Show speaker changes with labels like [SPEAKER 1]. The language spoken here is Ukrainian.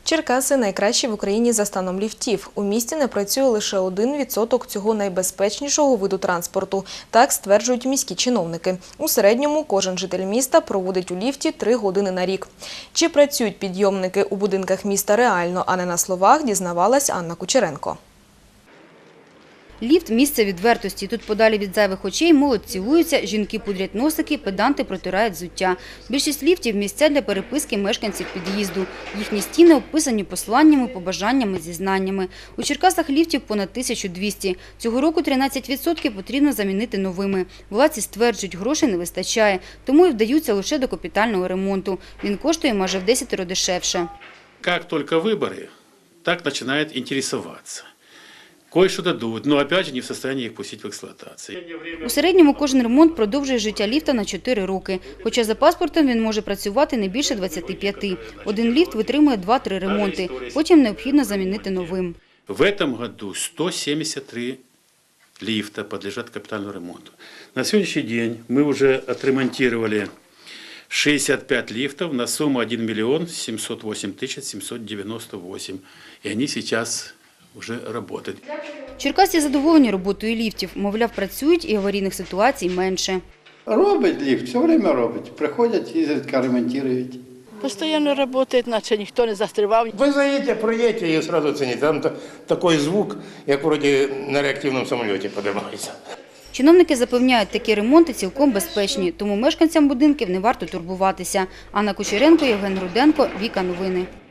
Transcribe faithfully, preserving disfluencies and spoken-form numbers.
[SPEAKER 1] Черкаси – найкращі в Україні за станом ліфтів. У місті не працює лише один відсоток цього найбезпечнішого виду транспорту. Так стверджують міські чиновники. У середньому кожен житель міста проводить у ліфті три години на рік. Чи працюють підйомники у будинках міста реально, а не на словах, дізнавалась Анна Кучеренко.
[SPEAKER 2] Ліфт – місце відвертості. Тут подалі від зайвих очей молодь цілуються, жінки пудрять носики, педанти протирають взуття. Більшість ліфтів – місця для переписки мешканців під'їзду. Їхні стіни обписані посланнями, побажаннями, зізнаннями. У Черкасах ліфтів понад тисячу двісті. Цього року тринадцять відсотків потрібно замінити новими. Владці стверджують, грошей не вистачає, тому і вдаються лише до капітального ремонту. Він коштує майже в десятеро дешевше.
[SPEAKER 3] Як тільки вибори, так починають інтересуватися. Кое-що дадуть, але, опять же, не в стані їх пустити в експлуатацію.
[SPEAKER 2] У середньому кожен ремонт продовжує життя ліфта на чотири роки. Хоча за паспортом він може працювати не більше двадцяти п'яти. Один ліфт витримує два-три ремонти, потім необхідно замінити новим.
[SPEAKER 3] В цьому році сто сімдесят три ліфта підлягають капітальному ремонту. На сьогоднішній день ми вже відремонтували шістдесят п'ять ліфтів на суму один мільйон сімсот вісім тисяч сімсот дев'яносто вісім. І вони зараз вже працюють.
[SPEAKER 2] Черкасці задоволені роботою ліфтів. Мовляв, працюють і аварійних ситуацій менше.
[SPEAKER 4] Робить ліфт, все время робить. Приходять, їздять, ремонтують.
[SPEAKER 5] Постоянно работает, наче ніхто не застрівав.
[SPEAKER 6] Ви заїдете, проїдете і одразу оціните. Там такий звук, як вроді на реактивному самоліті підіймається.
[SPEAKER 2] Чиновники запевняють, такі ремонти цілком безпечні, тому мешканцям будинків не варто турбуватися. Анна Кучеренко, Євген Руденко, Віка Новини.